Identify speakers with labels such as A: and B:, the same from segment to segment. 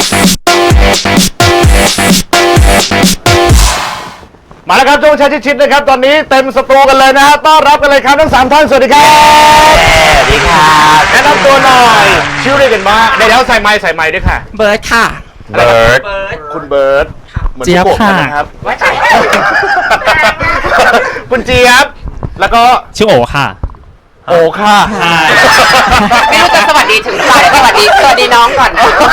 A: มาแล้วครับช่วงชัยชิดนะครับตอนนี้เต็มสตูกันเลยนะฮะต้อนรับกันเลยครับทั้ง3ท่านสวัสดีครับ
B: สวัสดีครับ
A: แนะนำตัวหน่อยชื่อเรียกกันมาเดี๋ยวใส่ไม้ด้วยค่ะ
C: เบิร์ดค่ะ
B: เบิร์ด
A: คุณเบิร์ดเหมือน
C: เจี๊ยบค่ะ
A: นะครับคุณเจี๊ยบแล้วก็
D: ชื่อโอค่ะ
A: โอค่ะ
C: ไม่รู้จะสวัสดีถึงใครสวัสดีน้องก่อน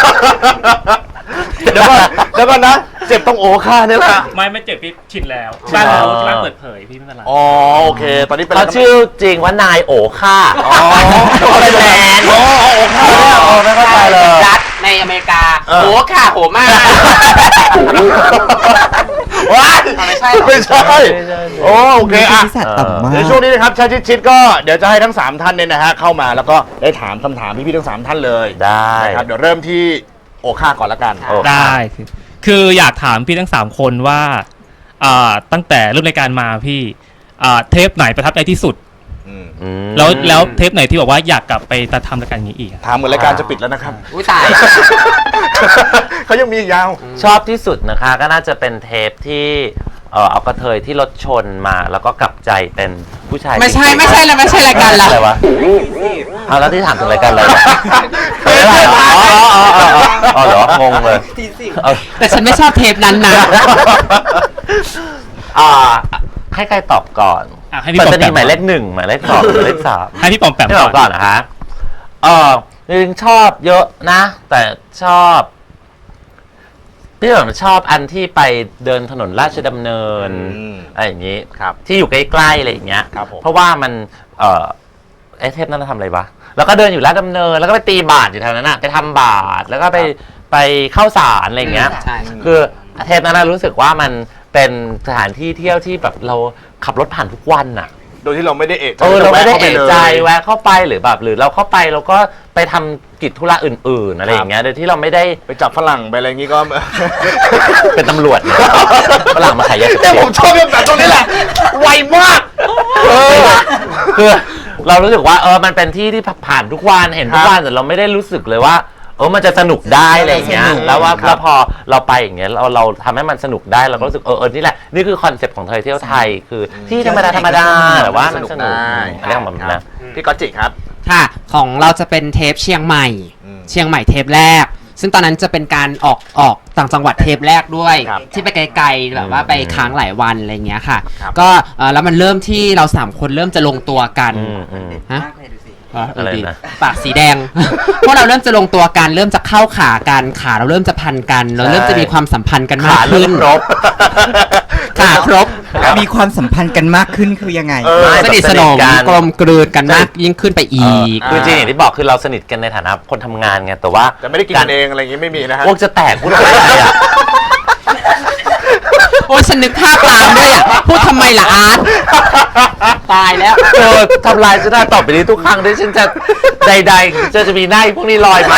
A: เดี๋ยวก่อนนะเจ็บต้องโอค่ะนี่แหละ
D: ไม่เจ็บพี่ชินแล้วบ้านเราที่บ้านเปิดเผยพี่ไม่เป็นไร
A: อ๋อโอเคตอนนี้เป็น
B: เขาชื่อจริงว่านายโอค่า
A: อ๋ออะไรแมนอ๋อโอค่ะไม่เข้าใจเลย
C: รัฐในอเมริกาโหค่ะโหมาก
A: ว้าย
C: ไม่ใช่
A: ไม่ใช่โอเคอ่ะ ในช่วงนี้นะครับชัยชิดก็เดี๋ยวจะให้ทั้ง3ท่านเนี่ยนะฮะเข้ามาแล้วก็ได้ถามคำถามพี่ๆทั้ง3ท่านเลย
B: ได้
A: นะครับเดี๋ยวเริ่มที่โอค่าก่อนละกัน
D: ได้คืออยากถามพี่ทั้ง3คนว่าตั้งแต่เริ่มรายการมาพี่เทปไหนประทับใจที่สุดแล้วเทปไหนที่บอกว่าอยากกลับไปทำรายการนี้อีก
A: ถามเหมือนรายการจะปิดแล้วนะครับ
C: อุ้ยตาย
A: เขายังมีอีกยาว
B: ชอบที่สุดนะคะก็น่าจะเป็นเทปที่เอากระเทยที่รถชนมาแล้วก็กลับใจเป็นผู้ชาย
C: ไม่ใช่แล้วไม่ใช่รายการเรา
B: อะไรวะเอาแล้วที่ถามถึงรายการอะไรอ๋อเหรองงเลย
C: แต่ฉันไม่ชอบเทปนั้นนะ
B: ให้ใครตอบก่อน
D: ให้พี่
B: ปั
D: ป
B: ต
D: อม
B: ตา
D: แป
B: นี
D: ม
B: หมายเลข1หมายเลข2หมายเลข3
D: ให้พี่ปอมแปม
B: ให้ตอบก่อนนะคะจริงๆชอบเยอะนะ แต่ชอบพี่ผมชอบอันที่ไปเดินถนนราชดำเนินอะไรอย่างนี้ที่อยู่ใกล้ๆอะไรอย่างเงี้ยเพราะว่ามันไอเทปนั้นเราทำอะไรวะแล้วก็เดินอยู่ราชดำเนินแล้วก็ไปตีบาทอยู่แถวนั้นน่ะไปทำบาทแล้วก็ไปเข้าสารอะไรอย่างเงี้ยคือเทปนั้นรู้สึกว่ามันเป็นสถานที่เที่ยวที่แบบเราขับรถผ่านทุกวันน่ะ
A: โดยที่เราไม่ได้เอะใจ
B: เราไม่ได้เอะใจแวะเข้าไปหรือแบบหรือเราเข้าไปเราก็ไปทำกิจธุระอื่นๆอะไรอย่างเงี้ยโดยที่เราไม่ได้
A: ไปจับฝรั่งไปอะไรอย่างงี้ก็
B: เป็นตำรวจเนี่ยฝรั่งมาขายยาเสพ
A: แต่
B: ติด
A: ผมชอบแบบตรงนี้แหละไวมาก
B: คือเรารู้สึกว่ามันเป็นที่ที่ผ่านทุกวันเห็นทุกวันแต่เราไม่ได้รู้สึกเลยว่ามันจะสนุกได้อะไรอย่างเงี้ยแล้วพอเราไปอย่างเงี้ยเราทำให้มันสนุกได้เราก็รู้สึกนี่แหละนี่คือคอนเซ็ปต์ของเที่ยวไทยคือที่ธรรมดาแต่ว่ามันสนุกอะไรของมันนะ
A: พี่ก๊อตจิครับ
C: ค่ะของเราจะเป็นเทปเชียงใหม่เทปแรกซึ่งตอนนั้นจะเป็นการออกต่างจังหวัดเทปแรกด้วยที่ไปไกลๆแบบว่าไปค้างหลายวันอะไรเงี้ยค่ะก็แล้วมันเริ่มที่เรา3คนเริ่มจะลงตัวกันฮะ
B: อะไรนะ
C: ปากสีแดง พวกเราเริ่มจะลงตัวกันเริ่มจะเข้าขากันขาเราเริ่มจะพันกันเราเริ่มจะมีความสัมพันธ์กันมากขึ้นขาครบ
E: มีความสัมพันธ์กันมากขึ้นคือยังไง
C: สนิทสนมกลมกลืนกันมากยิ่งขึ้นไปอีก
B: คือจริงอย่างที่บอกคือเราสนิทกันในฐานะคนทำงานไงแต่ว่า
A: ไม่ได้กินเองอะไรอย่างงี้ไม่มีนะฮะ
B: พวกจะแตกพูดอะไรอ่ะ
C: โอ้ยฉันนึกภาพตามด้วยอ่ะพูดทำไมล่ะอาร์ตตายแล้ว
B: ทำลายฉันได้ต่อไปนี้ทุกครั้งที่ฉันจะใดๆจะมีหน้าพวกนี้ลอยมา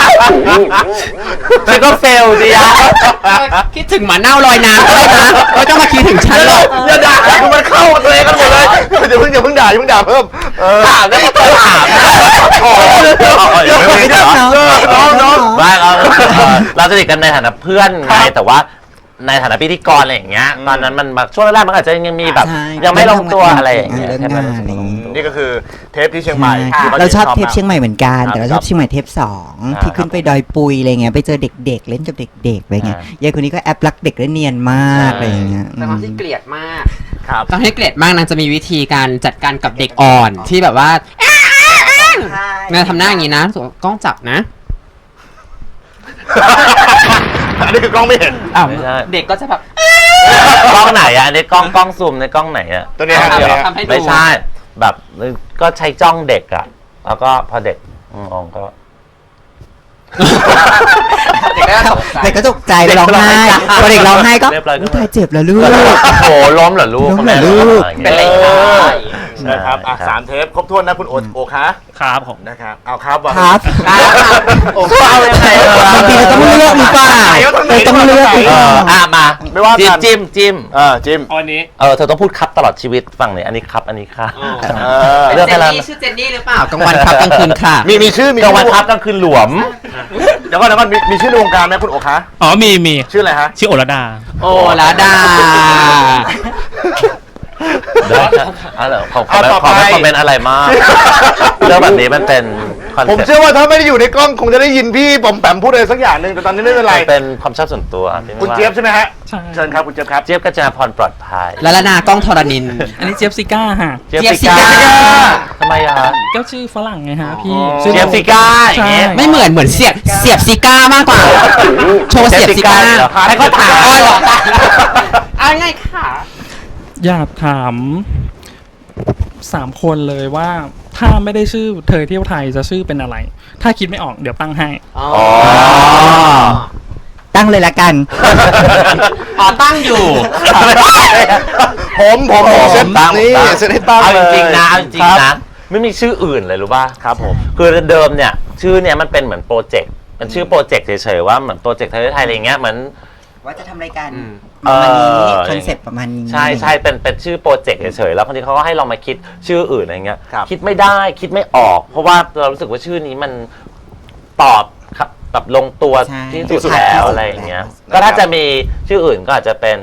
B: ฉันก็เฟลดิอะ
C: คิดถึงหมาเน่าลอยน้ำได้นะไม่ต้องมาคิดถึงฉันหรอก
A: อย่าด่ามันเข้าตัวเองกันหมดเลยอย่าเพิ่งด่าเพิ่ม
B: ถามแล้วก็ถามน้องเราสนิทกันในฐานะเพื่อนไงแต่ว่าในฐานะพิธีกรอะไรอย่างเงี้ยตอนนั้นมันช่วงแรกมันอาจจะยังมีแบบยังไม่ลงตัวอะไรอย่างเงี้ย
A: นี่ก็คือเทปที่เชียงใหม่
E: เราชอบเทปเชียงใหม่เหมือนกันแต่เราชอบเชียงใหม่เทป2ที่ขึ้นไปดอยปุยอะไรเงี้ยไปเจอเด็กๆเล่นกับเด็กๆอะไรเงี้ยยายคนนี้ก็แอบรักเด็กได้เนียนมากอะไรอย่างเงี้ย
C: แต่ความที่เกลียดมากต้องให้เกลียดมากนางจะมีวิธีการจัดการกับเด็กอ่อนที่แบบว่านางทำหน้าอย่างนี้นะกล้องจับนะ
A: อันนี้คือกล้องไม่เห็น
C: เด็กก็จะแบบ
B: กล้องไหนอ่ะในกล้องซูมในกล้องไหนอ่ะ
A: ตัวนี้
B: ไม่ใช่แบบก็ใช้จ้องเด็กอ่ะแล้วก็พอเด็กมองก็
E: เด็กก็ตกใจร้องไห้พอเด็กร้องไห้ก็ตายเจ็บแล้วลูก
B: โอ้ล้มเหรอลูก
C: เป็นไร
A: นะครับ3เทปครบถ้วนนะคุณโอคะ
D: ครับผม
A: นะครับเอาครับ
E: ครับ
B: โอ้เอายังไง
E: บางทีเราต้องเลือกหรือเปล่าเราต้องเลือกไปก่อน
B: มา
A: ไม่ว่ากัน
B: จิ้ม
A: จิ้ม
D: อันนี้
B: เธอต้องพูดครับตลอดชีวิตฝั่งนี้อันนี้ครับอันนี้ค่ะ
C: เป็น
B: เลือก
C: เจ
B: ให้
C: น
B: แล้ว
C: นี่ชื่อเจนนี่หรือเปล่ากลางวันครับกลางคืนค่ะ
A: มีชื่อก
B: ลางวันครับกลางคืนหลวม
A: เดี๋ยวก่อนมีชื่อในวงการไหมคุณโอคะ
D: อ๋อมี
A: ชื่ออะไรฮะ
D: ชื่อโอรดา
C: โอ้ลาดา
B: ได้ครับเหรอขอ
A: ต่อไป
B: ไม่คอมเมนต์อะไรมากเรื่องแบบนี้มันเป็นคอน
A: ผม
B: เซ็ปต์
A: เชื่อว่าถ้าไม่ได้อยู่ในกล้องคงจะได้ยินพี่ปอมแปมพูดอะไรสักอย่างหนึ่งแต่ตอนนี้ไม่เป็นไร
B: มันเป็นความชอบส่วนตัวพี่ไม่
A: คุณ
B: ว่า
A: เจี๊ยบใช่ไหมฮะ
D: ใช่
A: เชิญครับคุณเจี๊ยบครับ
B: เจี๊ยบกัญจนาพรปลอดภัย
C: ลาลานากล้องธรณิน
F: อันนี้เจี๊ยบซิก้าฮะ
B: เจี๊ยบ
C: เจี๊ยบ
B: ซิก้า
C: ซิก้า
B: ทำไมอะคะ
F: ก็ชื่อฝรั่งไงฮะพี่
A: อ๋อ
F: ชื่อ
B: เจี๊ยบซิก้าอย่างเงี้ย
C: ไม่เหมือนเสียบซิก้ามากกว่า โชว์เสียบซิก้า
B: เจี๊ยบซิก้าเหรอให้เขาถาม
C: อ๋อเหรอเอาไงค่ะ
F: อยากถาม3 คนเลยว่าถ้าไม่ได้ชื่อเธอเที่ยวไทยจะชื่อเป็นอะไร ถ้าคิดไม่ออกเดี๋ยวตั้งให้
C: อ๋อ
E: ตั้งเลยละกัน
C: อ๋อตั้งอยู่
A: ผมเซ็ต
B: ตั้ง
A: นี่เซ็ตให้ตั้ง
B: เอา
A: เล
B: จ
A: ย
B: ริงๆนะเอาจริง
A: ค
B: ๆ
A: บ
B: นะไม่มีชื่ออื่นเลยรู้ป่ะ
A: ครับผม
B: คือเดิมเนี่ยชื่อเนี่ยมันเป็นเหมือนโปรเจกต์มันชื่อโปรเจกต์เฉยๆว่าเหมือนโปรเจกต์ไทยอะไรเงี้ยเหมือน
E: ว่าจะทำรายการ
B: เอ
E: ประมาณนี้
B: อ
E: คอนเซ็ปต์ประมาณนี้
B: ใช่เป็นชื่อโปรเจกต์เฉยๆแล้วบางทีเขาก็ให้เรามาคิดชื่ออื่นอะไรเงี้ย
A: ครับ
B: คิดไม่ได้คิดไม่ออก เพราะว่าเรารู้สึกว่าชื่อนี้มันตอบครับแบบลงตัว
E: ใช่
B: ที่สุดแล้วอะไรอย่างเงี้ยก็ถ้าจะมีชื่ออื่นก็อาจจะเป็น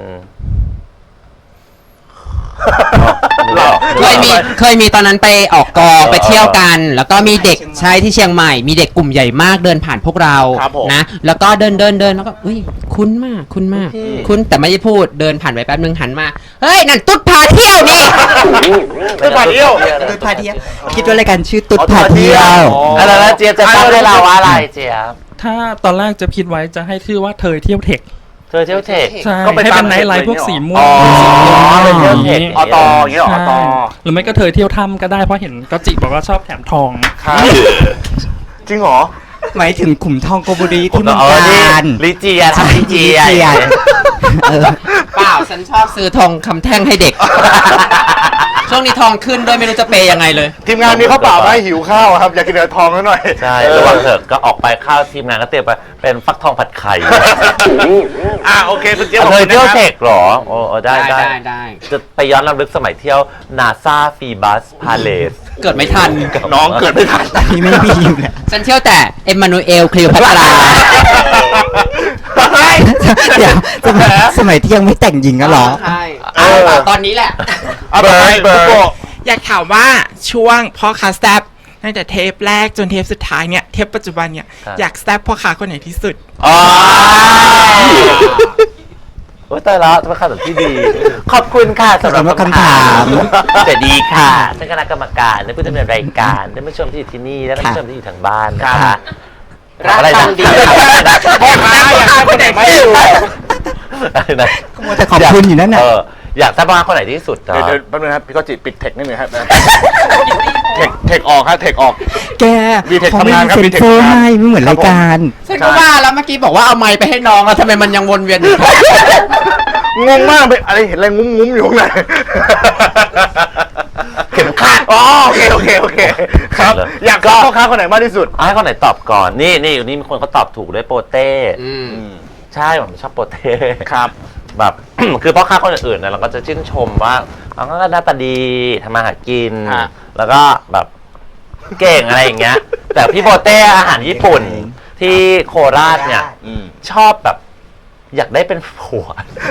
C: เคยมีตอนนั้นไปออกกองไปเที่ยวกัน แล้วก็มีเด็กใช่ที่เชียงใหม่ มีเด็กกลุ่มใหญ่มากเดินผ่านพวกเรา
A: ครับผม
C: นะแล้วก็เดินแล้วก็อุ้ยคุ้นมากคุ้นแต่ไม่ได้พูดเดินผ่านไปแป๊บนึงหันมาเฮ้ยนั่นตุ๊ดพาเที่ยวนี่
A: ตุ๊ดพาเที่ยว
E: ตุ๊ดพาเที่ยวคิดว่ารายการชื่อตุ๊ดพาเที่ยว
A: อ๋อ
B: แล้วเจี๊ยบจะตั้งให้เราว่าอะไรเจี๊ยบ
F: ถ้าตอนแรกจะคิดไว้จะให้ชื่อว่าเธอเที่ยวเทค
B: เธอเที่ยวเทค
F: ใช่
A: ก็ไป
F: ให้เป็น
A: ตาม
F: ไนท์ไลฟ์
A: เทค
F: พวก
A: เลย
F: สี
A: เนี่ย
F: ม่ว
B: อ๋
F: ง
B: อเป็นเที่ยวเทค
A: อตอย่างเงี้ยเหรออต
F: หรือไม่ก็เธอเที่ยวถ้ำก็ได้เพราะเห็นก็จิบอกว่าชอบแถมทอง
A: ครับจริงเหรอ
E: หมายถึงขุมทองโกบุรีที่
B: ผม
E: เมือง
B: เอา
E: กาญ
B: ลิเจียทำลิเจีย
E: เออ
C: เปล่าฉันชอบซื้อทองคำแท่งให้เด็ก ช่วงนี้ทองขึ้นด้วยไม่รู้จะเปย์ยังไงเลย
A: ทีมงานนี้เขาเปล่ามาให้หิวข้าวครับ อยากกินเนื้อทองนิดหน่อย
B: ใช่ระวังเถอะก็ออกไปข้าวทีมงานก็เตรียมไปเป็นฟักทองผัดไข่
A: โอเคคุณเจี๊ยบ
B: เธอเที่ยว
A: ขอบคุณนะครับ
B: เทคเหรอโอ้ได้
C: ได้
B: จะไปย้อนรำลึกสมัยเที่ยวนาซาฟีบัสพาเลส
C: เกิดไม่ทัน
A: น้องเกิดไม่ทัน
E: ที่ไม่มีอยู่แล้ว
C: ฉันเที่ยวแต่เอ็มมานูเอลคลีโอพัตรา
E: เดี๋ยวสมัยที่ยังไม่แต่งหญิงกันเหรอ
C: ใช่ตอนนี้แหละ
A: เอาไปเบิร์ด
G: อยากถามว่าช่วงพ่อค้าแซบตั้งแต่เทปแรกจนเทปสุดท้ายเนี่ยเทปปัจจุบันเนี่ย
B: ครับ
G: อยากแซบพ่อค้าคนไหนที่สุด
B: อ๋อโอ้ยตายแล้วเป็นคำตอบที่ดี ขอบคุณค่ะสำหรับ
E: สำหรับคำถาม
B: แต่ดีค่ะท่านคณะกรรมการและผู้ดำเนินรายการท่านผู้ชมที่อยู่ที่นี่และท่านผู้ชมที่อยู่ทางบ้านนะคะ
C: รัก
B: อะไร
C: กั
B: นะ
C: นดี
A: พ่อค้าอยากทำคนไหนไม่อยู่
B: อะไรนะ
E: มัวแต่ขอบคุณอยู่นั่นน่ะ
B: อยากทราบว่าคนไหนที่สุดเหรอ
A: เดี๋ยวแป๊บนึงครับพี่ก็จิปิดเทคนิดนึงครับเทคออกครับเทคออก
E: แก
A: มีเทค
E: เขาไม่
A: ทำงาน
E: มี
A: ครับ
E: เซ็
A: มี
E: น
A: เทค
E: เซอร์
A: ทำงาน
E: ให้ไม่เหมือนรายการ
C: ฉันก็ว่าแล้วเมื่อกี้บอกว่าเอาไม้ไปให้น้องแล้วทำไมมันยังวนเวียนอยู่
A: งงมากไปอะไรเห็นอะไรงุ้มๆอยู่ข้างใน
B: เข็มขัด
A: อ๋อโอเคครับ
B: เหรอ
A: อยากทราบพ่อค้าคนไหนมากที่สุด
B: ให้คนไหนตอบก่อน นี่อยู่นี่มีคนเขาตอบถูกด้วยโปเต้ใช่ผมชอบโปเต้
A: ครับ
B: แบบ คือพ่อค้าคนอื่นๆนะเราก็จะชื่นชมว่าเขาก็หน้าตาดีทำมาหากิน
A: ฮะ
B: แล้วก็แบบเก่งอะไรอย่างเงี้ย แต่พี่โปเต้อาหารญี่ปุ่นที่โคราชเนี่ย ชอบแบบอยากได้เป็นผัว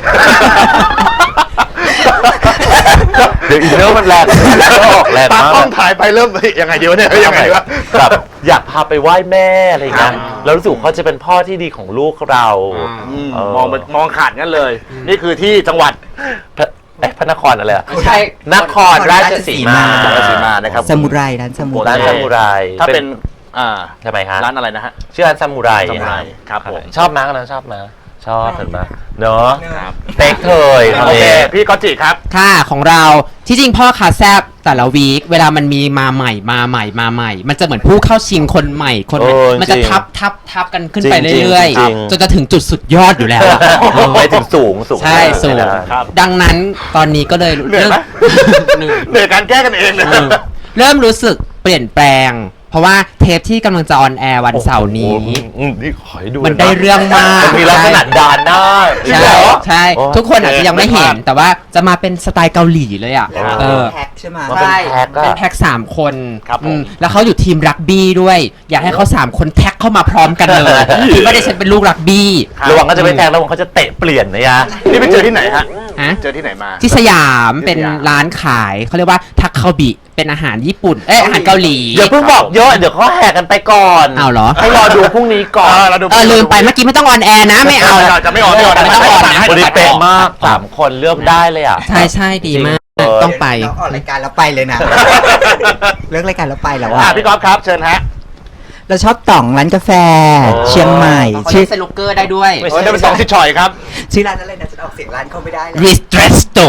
B: เดี๋ยวอีกเรื่องมันแรงแรง
A: ตาม
B: มาก
A: กล้องถ่ายไปเริ่มยังไงเดี๋ยวเนี่ยยังไงวะ
B: แบบอยากพาไปไหว้แม่อะไรอย่างเงี้ยแล้วรู้สึกว่าเขาจะเป็นพ่อที่ดีของลูกเราเออ
A: มองขาดงั้นเลย นี่คือที่จังหวัด
B: พระนครอะไรอะ
C: ใช่
B: นครราชสีมา
A: นครราชสีมานะครับ
E: สมุไรร้านสมุไร
B: ร้านซามูไร
A: ถ้าเป็น
B: ทำไมฮะ
A: ร้านอะไรนะฮะ
B: ชื่อร้านซามูไร
A: ซามูไรครับผม
B: ชอบมั้ยกันนะชอบมั้ยชอบเห็นไหมเนาะ
A: ครับ
B: เต็กเคย
A: โอเคพี่ก๊อตจิครับ
C: ค่ะของเราที่จริงพ่อคาแซบแต่ละวีคเวลามันมีมาใหม่ มันจะเหมือนผู้เข้าชิงคนใหม่มันจะทับกันขึ้นไปเรื่อยๆจนจะถึงจุดสุดยอดอยู่แล้วอะ
B: ไปถึงสูง
C: ใช่สูง
A: ครับ
C: ดังนั้นตอนนี้ก็เลย
A: เหนื่อยไหมเหนื่อยการแก้กันเองเลย
C: เริ่มรู้สึกเปลี่ยนแปลงเพราะว่าเทปที่กำลังจะออนแอร์วันเสาร์นี้
B: นี่ขอให้ดู
C: มันได้เรื่องมาก
B: มันมีลักษณะดานหน้า
C: ใช่ใช่ ทุกคนอาจจะยังไม่เห็น แต่ว่าจะมาเป็นสไตล์เกาหลีเลยอ่ะเออ
E: แพ็คใช่ไหม
B: ว่าเป็นแพ็คอะ
C: เป็นแพ็ค3 คน
A: ครับผม
C: แล้วเขาอยู่ทีมรักบี้ด้วย อยากให้เขา3 คนแท็กเข้ามาพร้อมกันเลยคิดว่าดิฉันเป็นลูกรักบี้
B: ระวังก็จะไปแทงระวังเขาจะเตะเปลี่ยนนะยะ
A: นี่ไปเจอที่ไหนฮะ
C: ฮะ
A: เจอที่ไหนมา
C: ที่สยามเป็นร้านขายเขาเรียกว่าทักคาบิเป็นอาหารญี่ปุ่นอาหารเกาหลี
B: อย่าเพิ่งบอกเยอะเดี๋ยวเขาแหกกันไปก่อน
C: เอาเหรอ
B: ให้รอดูพรุ่งนี้ก่อน
C: ลืมไปเมื่อกี้ไม่ต้องออนแอร์นะไม่เอา
A: จะไม่ออนไม่ออน
C: ไม่ต้องออนนะ
B: วันนี้เป๊ะมาก3 คนเลือกได้เลยอ่ะ
C: ใช่ดีมากต้องไป
E: เราออกรายการแล้วไปเลยนะ เลิกรายการแล้วไปแล้ว
A: อ่ะ
E: อะ
A: พี่ก๊อฟครับเชิญฮะ
E: เราชอบต่องร้านกาแฟ เชียงใหม่
C: เขา
E: ชื่
C: เล่
E: อน
C: สนุกเกอร์ได้ด้วย
B: ไม่
A: โอ้ยจะเป็นสองสิชอยครับ
E: ชื่อร้านอะไรนะฉันออกเสียงร้านเขาไม่ได้เลย
C: Ristretto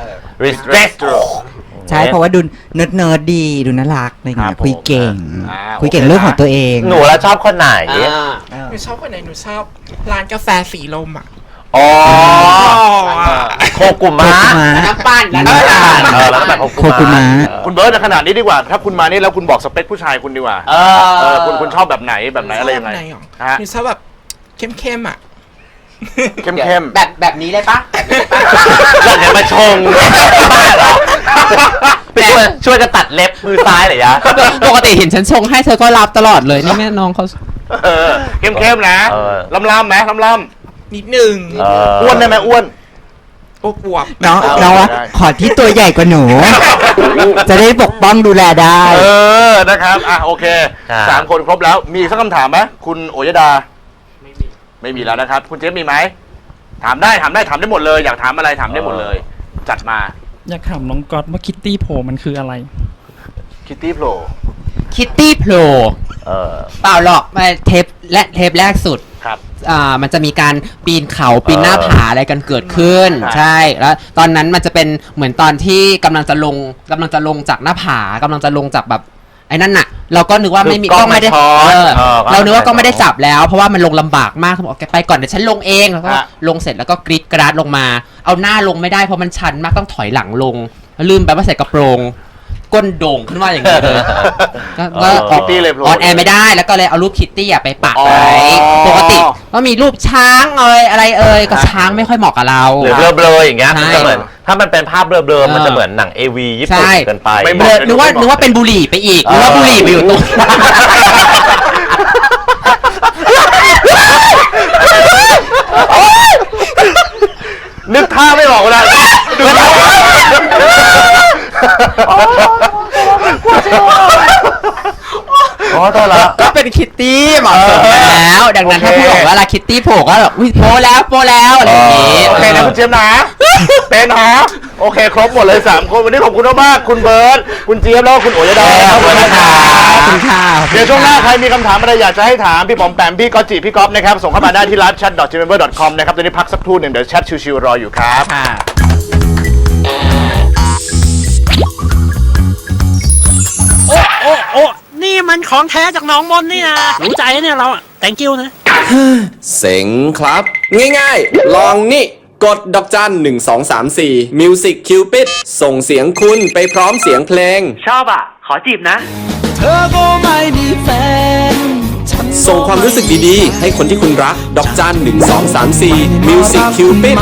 B: Ristretto
E: ใช่เพราะว่าดูเนิร์ดดีดูน่ารักอะไรอย่างเงี้
A: ครั
E: ย
A: บผม
E: คุยเก่ง
A: อ่า
E: คุยเก่งเรื่องของตัวเอง
B: หนูแล้วชอบคนไหน
E: เออ
G: หนูชอบคนไหนหนูชอบร้านกาแฟสีลมอ่ะ
B: อ๋อโคกุมะ
C: น้ำปั้น
B: น้ำปั่นแล้วก็แบบ
E: โคกุมะ
A: คุณเบิร์ตในขนาดนี้ดีกว่า ถ้าคุณมานี่แล้วคุณบอกสเปคผู้ชายคุณดีกว่า คุณชอบแบบไหนอะไรยังไง
G: ชบแบบหรอ
A: ฮะ
G: หนูชอบแบบเข้มๆอ่ะ
A: เข้ม
C: แบบนี้เลยปะ
B: อยากจะมาชงบ้าเหรอไปช่วยกันตัดเล็บมือซ้ายเหรอยะ
C: ปกติเห็นฉันชงให้เธอก็รับตลอดเลยนี่แม่น้องเขา
A: เข้มนะ ล่ำไหมล่ำ
G: นิดนึง
A: อ้วนได้ไหมอ้วน
G: อวบ
E: น้องว่า
A: ได้
E: ขอที่ตัวใหญ่กว่าหนู จะได้ปกป้องดูแลได้
A: นะครับโอเค3 คนครบแล้วมีสักคำถามไหมคุณโอยดาไม่มีแล้วนะครับ คุณเจฟมีไหมถามได้หมดเลย อยากถามอะไรถามได้หมดเลย จัดมา
F: อยากถามน้องก๊อตว่าคิตตี้โผล่มันคืออะไร
A: คิตตี้โผล่
C: คิตตี้โผล่เปล่าหรอกเทปแรกสุด
A: ครับ
C: มันจะมีการปีนเขาปีนหน้าผาอะไรกันเกิดขึ้น
A: ครับ
C: ใช่แล้วตอนนั้นมันจะเป็นเหมือนตอนที่กำลังจะลงจากหน้าผากำลังจะลงจากแบบไอ้นั่นน่ะ เราก็นึกว่าไม่มี
B: คือกล้อง
C: ไม่ได้
B: ไม่ช้อน
C: เรานึกว่าก็ไม่ได้
B: ช้อน
C: จับแล้ว เพราะว่ามันลงลำบากมากเขาบอกแกไปก่อนเดี๋ยวฉันลงเองแล้วก็ลงเสร็จแล้วก็กรีดกราดลงมา เอาหน้าลงไม่ได้เพราะมันชันมากต้องถอยหลังลงลืมไปว่าใส่กระโปรงก้นโด่งขึ้นมาอย่างนี้เลยก็ออก
A: ตี้เลยโผล่
C: ออนแอร์ไม่ได้แล้วก็เลยเอารูปคิตตี้ไปปักไว้ปกติก็มีรูปช้างอะไรก็ช้างไม่ค่อยเหมาะกับเรา
B: หรือเบลอๆอย่างเงี้ย
C: ใช่
B: มันจะเหมือนถ้ามันเป็นภาพเบลอๆมันจะเหมือนหนัง AV ญี่ปุ่น
C: ใช่
B: เกินไป
A: ไม่เห
C: เบ
A: มาะ
C: ลอนึกว่าเป็นบุหรี่ไปอีกนึกว่าบุหรี่ไปอยู่ตรง
A: นึกท่าไม่ออกเลยดูท่า
B: อ๋อตัวละ
C: ก็เป็นคิตตี้เหมาะสมแล้วดังนั้นถ้าพูดบอกว่าลาคิตตี้โผล่ก็แบบอุ้ยโปแล้วอะไรอย่างงี้
A: โอเคนะคุณเจมส์นะเป็นนะโอเคครบหมดเลย3 คนวันนี้ขอบคุณมากๆคุณเบิร์ตคุณเจี๊ยบแล้วก็คุณโอยดาขอบคุณนะครับ
C: ขอบคุณค่ะ
A: เดี๋ยวช่วงหน้าใครมีคำถามอะไรอยากจะให้ถามพี่ป๋อมแปมพี่ก๊อตจิพี่ก๊อฟนะครับส่งเข้ามาได้ที่ live-chat.gmember.com นะครับตอนนี้พักสักครู่หนึ่งเดี๋ยวแชทชิวๆรออยู่ครับ
C: ค่ะ
H: โอ้นี่มันของแท้จากหน้องมนนี่นะรู้ใจเนี่ยเราอะ thank you นะ
I: เซ็งครับ ง่ายๆ ลองนี่ กดดอกจัน1234 Music Cupid ส่งเสียงคุณไปพร้อมเสียงเพลง
H: ชอบอ่ะ ขอจีบนะ
I: ส่งความรู้สึกดีๆ ให้คนที่คุณรัก ดอกจัน1234 Music Cupid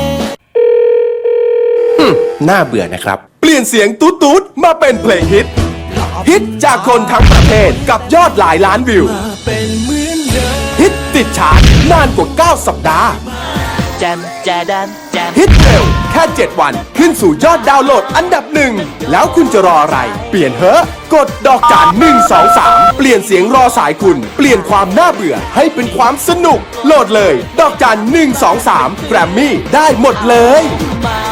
I: น่าเบื่อนะครับ เปลี่ยนเสียงตูดๆมาเป็นเพลงฮิต ฮิตจากคนทั้งประเทศกับยอดหลายล้านวิว ฮิตติดชาร์ตนานกว่า 9 สัปดาห์
H: แจมแจดันแจม
I: ฮิตเร็วแค่ 7 วันขึ้นสู่ยอดดาวน์โหลดอันดับ 1 แล้วคุณจะรออะไร เปลี่ยนเถอะกดดอกจัน123 เปลี่ยนเสียงรอสายคุณ เปลี่ยนความน่าเบื่อให้เป็นความสนุก โหลดเลย ดอกจัน123 แกรมมี่ได้หมดเลย
H: มา